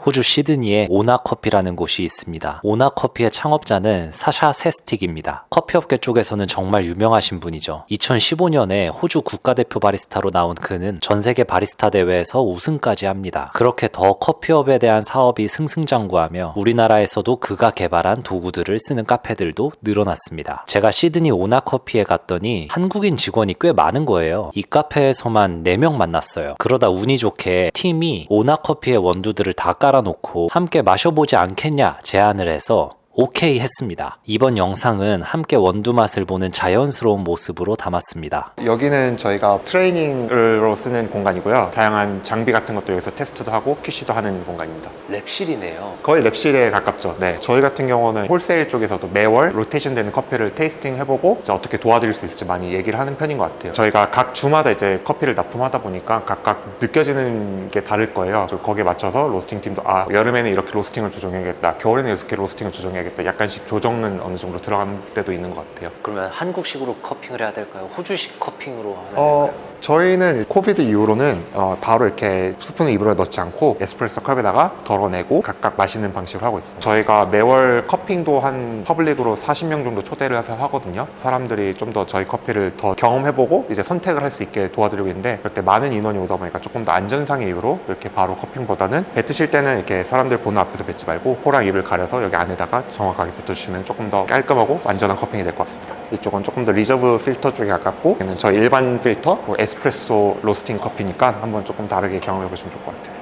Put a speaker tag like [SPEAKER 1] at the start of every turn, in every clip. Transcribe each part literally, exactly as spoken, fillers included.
[SPEAKER 1] 호주 시드니에 오나커피라는 곳이 있습니다. 오나커피의 창업자는 사샤 세스틱입니다. 커피업계 쪽에서는 정말 유명하신 분이죠. 이천십오 년에 호주 국가대표 바리스타로 나온 그는 전세계 바리스타 대회에서 우승까지 합니다. 그렇게 더 커피업에 대한 사업이 승승장구하며 우리나라에서도 그가 개발한 도구들을 쓰는 카페들도 늘어났습니다. 제가 시드니 오나커피에 갔더니 한국인 직원이 꽤 많은 거예요. 이 카페에서만 네 명 만났어요. 그러다 운이 좋게 팀이 오나커피의 원두들을 다 깔아놓고 함께 마셔보지 않겠냐 제안을 해서 오케이 했습니다. 이번 영상은 함께 원두 맛을 보는 자연스러운 모습으로 담았습니다.
[SPEAKER 2] 여기는 저희가 트레이닝으로 쓰는 공간이고요. 다양한 장비 같은 것도 여기서 테스트도 하고 큐시도 하는 공간입니다.
[SPEAKER 1] 랩실이네요.
[SPEAKER 2] 거의 랩실에 가깝죠. 네, 저희 같은 경우는 홀세일 쪽에서도 매월 로테이션 되는 커피를 테이스팅 해보고 이제 어떻게 도와드릴 수 있을지 많이 얘기를 하는 편인 것 같아요. 저희가 각 주마다 이제 커피를 납품하다 보니까 각각 느껴지는 게 다를 거예요. 거기에 맞춰서 로스팅 팀도 아 여름에는 이렇게 로스팅을 조정해야겠다, 겨울에는 이렇게 로스팅을 조정해야겠다, 약간씩 조정은 어느 정도 들어가는 때도 있는 것 같아요.
[SPEAKER 1] 그러면 한국식으로 커핑을 해야 될까요? 호주식 커핑으로 하면
[SPEAKER 2] 어,
[SPEAKER 1] 될까요?
[SPEAKER 2] 저희는 코비드 이후로는 어, 바로 이렇게 스푼을 입으로 넣지 않고 에스프레소 컵에다가 덜어내고 각각 마시는 방식으로 하고 있어요. 저희가 매월 커핑도 한 퍼블릭으로 사십 명 정도 초대를 해서 하거든요. 사람들이 좀 더 저희 커피를 더 경험해보고 이제 선택을 할 수 있게 도와드리고 있는데, 그럴 때 많은 인원이 오다 보니까 조금 더 안전상의 이유로 이렇게 바로 커핑보다는 뱉으실 때는 이렇게 사람들 보는 앞에서 뱉지 말고 코랑 입을 가려서 여기 안에다가 정확하게 뱉어주시면 조금 더 깔끔하고 완전한 커핑이 될 것 같습니다. 이쪽은 조금 더 리저브 필터 쪽에 가깝고, 얘는 저희 일반 필터 뭐 에스프레소 로스팅 커피니까 한번 조금 다르게 경험해 보시면 좋을 것 같아요.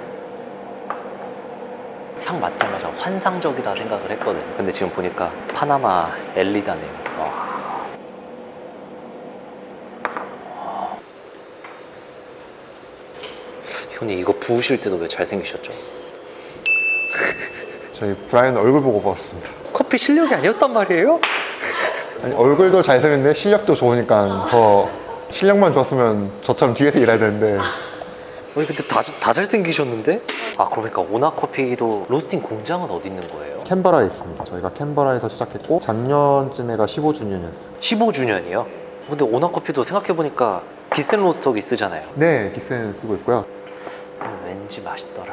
[SPEAKER 1] 향 맡자마자 환상적이다 생각을 했거든요. 근데 지금 보니까 파나마 엘리다네요. 와. 형님 이거 부으실 때도 왜 잘생기셨죠?
[SPEAKER 2] 저희 브라이언 얼굴 보고 봤습니다.
[SPEAKER 1] 커피 실력이 아니었단 말이에요?
[SPEAKER 2] 아니, 얼굴도 잘생겼는데 실력도 좋으니까 더 실력만 좋았으면 저처럼 뒤에서 일해야 되는데.
[SPEAKER 1] 아니 근데 다, 다 잘생기셨는데? 아 그러니까 오나커피도 로스팅 공장은 어디 있는 거예요?
[SPEAKER 2] 캔버라에 있습니다. 저희가 캔버라에서 시작했고 작년쯤에가 십오 주년이었어요.
[SPEAKER 1] 십오 주년이요? 근데 오나커피도 생각해보니까 기센 로스터기 쓰잖아요.
[SPEAKER 2] 네, 기센 쓰고 있고요.
[SPEAKER 1] 음, 왠지 맛있더라.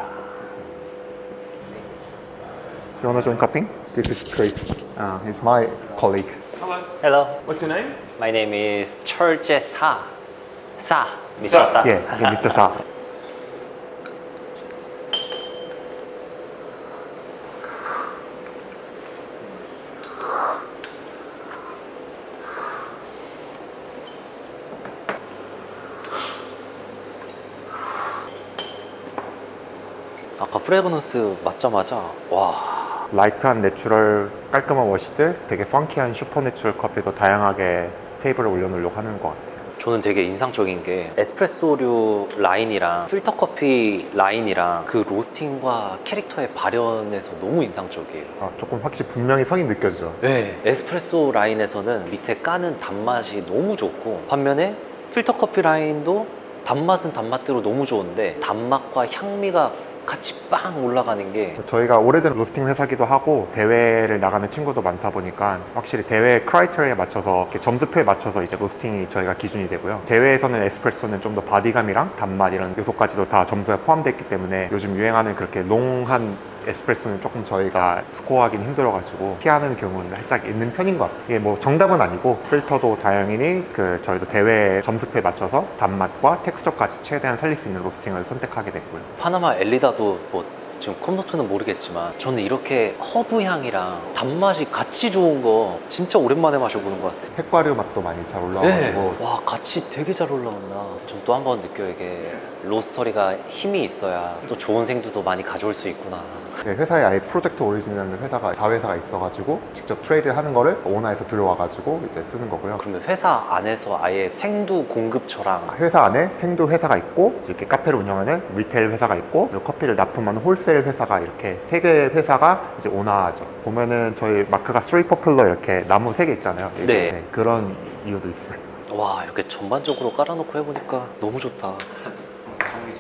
[SPEAKER 2] You wanna join cupping? This is Chris. Uh, he's my colleague.
[SPEAKER 3] Hello.
[SPEAKER 1] Hello,
[SPEAKER 3] What's your name?
[SPEAKER 1] my name is 철제 사. 사. 미스터 사.
[SPEAKER 2] Yeah, yeah, 미스터 사.
[SPEAKER 1] 아까 프레그넌스 맞자마자 와.
[SPEAKER 2] 라이트한 내추럴 깔끔한 워시들, 되게 펑키한 슈퍼 내추럴 커피도 다양하게 테이블에 올려놓으려고 하는 것 같아요.
[SPEAKER 1] 저는 되게 인상적인 게 에스프레소류 라인이랑 필터 커피 라인이랑 그 로스팅과 캐릭터의 발현에서 너무 인상적이에요.
[SPEAKER 2] 아, 조금 확실히 분명히 성이 느껴지죠.
[SPEAKER 1] 네, 에스프레소 라인에서는 밑에 까는 단맛이 너무 좋고, 반면에 필터 커피 라인도 단맛은 단맛대로 너무 좋은데 단맛과 향미가 같이 빵 올라가는 게
[SPEAKER 2] 저희가 오래된 로스팅 회사기도 하고 대회를 나가는 친구도 많다 보니까 확실히 대회 크라이테리아에 맞춰서 이렇게 점수표에 맞춰서 이제 로스팅이 저희가 기준이 되고요. 대회에서는 에스프레소는 좀 더 바디감이랑 단맛 이런 요소까지도 다 점수에 포함되어 있기 때문에 요즘 유행하는 그렇게 롱한 에스프레소는 조금 저희가 스코어하기는 힘들어가지고 피하는 경우는 살짝 있는 편인 것 같아요. 이게 뭐 정답은 아니고 필터도 다행히 그 저희도 대회 점수표에 맞춰서 단맛과 텍스처까지 최대한 살릴 수 있는 로스팅을 선택하게 됐고요.
[SPEAKER 1] 파나마 엘리다도 뭐 지금 컵노트는 모르겠지만 저는 이렇게 허브 향이랑 단맛이 같이 좋은 거 진짜 오랜만에 마셔보는 것 같아요.
[SPEAKER 2] 핵과류 맛도 많이 잘 올라와가지고
[SPEAKER 1] 와 같이 되게 잘 올라온다. 전 또 한 번 느껴요. 이게 로스터리가 힘이 있어야 또 좋은 생두도 많이 가져올 수 있구나.
[SPEAKER 2] 네, 회사에 아예 프로젝트 오리진이라는 회사가 자회사가 있어가지고 직접 트레이드 하는 거를 오너에서 들여와가지고 이제 쓰는 거고요.
[SPEAKER 1] 그러면 회사 안에서 아예 생두 공급처랑
[SPEAKER 2] 회사 안에 생두 회사가 있고 이렇게 카페를 운영하는 리테일 회사가 있고 그리고 커피를 납품하는 홀세일 회사가 이렇게 세 개의 회사가 이제 오너죠. 보면은 저희 마크가 스트레이트 퍼플러 이렇게 나무 세 개 있잖아요. 이게.
[SPEAKER 1] 네.
[SPEAKER 2] 네, 그런 이유도 있어요.
[SPEAKER 1] 와 이렇게 전반적으로 깔아놓고 해보니까 너무 좋다.
[SPEAKER 3] 정리 제가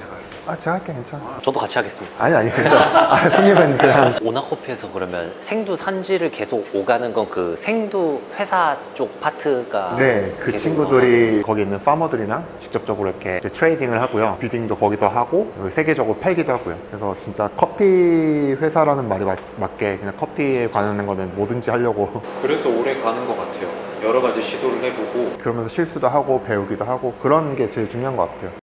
[SPEAKER 2] 아 제가 할게 괜찮아.
[SPEAKER 1] 저도 같이 하겠습니다.
[SPEAKER 2] 아니 아니 괜찮아. 아, 손님은 그냥
[SPEAKER 1] 오나커피에서 그러면 생두 산지를 계속 오가는 건 그 생두 회사 쪽 파트가
[SPEAKER 2] 네, 그
[SPEAKER 1] 계속
[SPEAKER 2] 친구들이 거기 있는 파머들이랑 직접적으로 이렇게 이제 트레이딩을 하고요. 비딩도 거기서 하고 세계적으로 팔기도 하고요. 그래서 진짜 커피 회사라는 말이 맞, 맞게 그냥 커피에 관한 거는 뭐든지 하려고
[SPEAKER 3] 그래서 오래 가는 것 같아요. 여러 가지 시도를 해보고
[SPEAKER 2] 그러면서 실수도 하고 배우기도 하고 그런 게 제일 중요한 것 같아요.